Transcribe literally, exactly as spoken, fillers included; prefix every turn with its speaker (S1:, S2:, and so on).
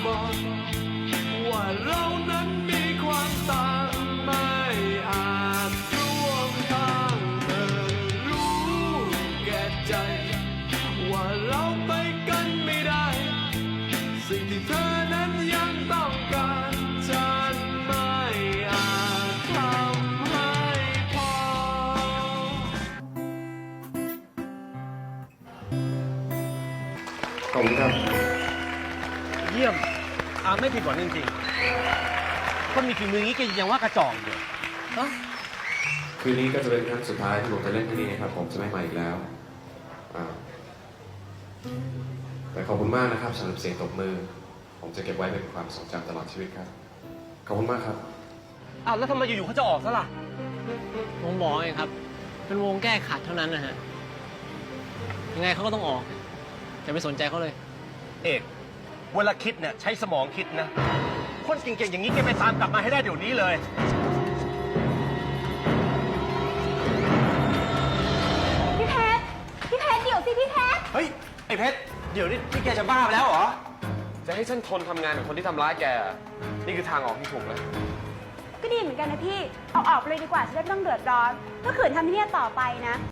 S1: บอกว่าเรานั้นมีความต่างไม่อาจร่วมทางเธอรู้แก่ใจว่าเราไปกันไม่ได้สิ่งที่เธอนั้นยังต้องการฉันไม่อาจทำให้พอ
S2: ขอบคุณครับ
S3: เยี่ยมอาไม่ผิดหวังจริงๆคนมีฝีมืออย่างนี้แกยังว่ากระจอกอยู่ฮะ
S2: คืนนี้ก็จะเป็นครั้งสุดท้ายที่ผมจะเล่นที่นี่นะครับผมจะไม่มาอีกแล้วแต่ขอบคุณมากนะครับสำหรับเสียงตบมือผมจะเก็บไว้เป็นความทรงจำตลอดชีวิตครับขอบคุณมากครับ
S3: อ้าวแล้วทำไมอยู่ๆเขาจะออกซะล่ะ
S4: วงบอกไงครับเป็นวงแก้ขัดเท่านั้นนะฮะยังไงเขาก็ต้องออกอย่าไปสนใจเขาเลย
S3: เอกเวลาคิดเนี่ยใช้สมองคิดนะคนเก่งๆอย่างนี้แกไปตามกลับมาให้ได้เดี๋ยวนี้เลย
S5: พี่เพชรพี่เพชรเดี๋ยวสิพี่เพชร
S3: เฮ้ยไอ้เพชรเดี๋ยวนี่ที่แกจะบ้าไปแล้วเหรอ
S2: จะให้ฉันทนทำงานกับคนที่ทำร้ายแกนี่คือทางออกที่ถูกแล้ว
S5: ก็ดีเหมือนกันนะพี่เอาออกไปเลยดีกว่าจะได้ไม่ต้องเดือดร้อนถ้าขืนทำที่นี่ต่อไปนะ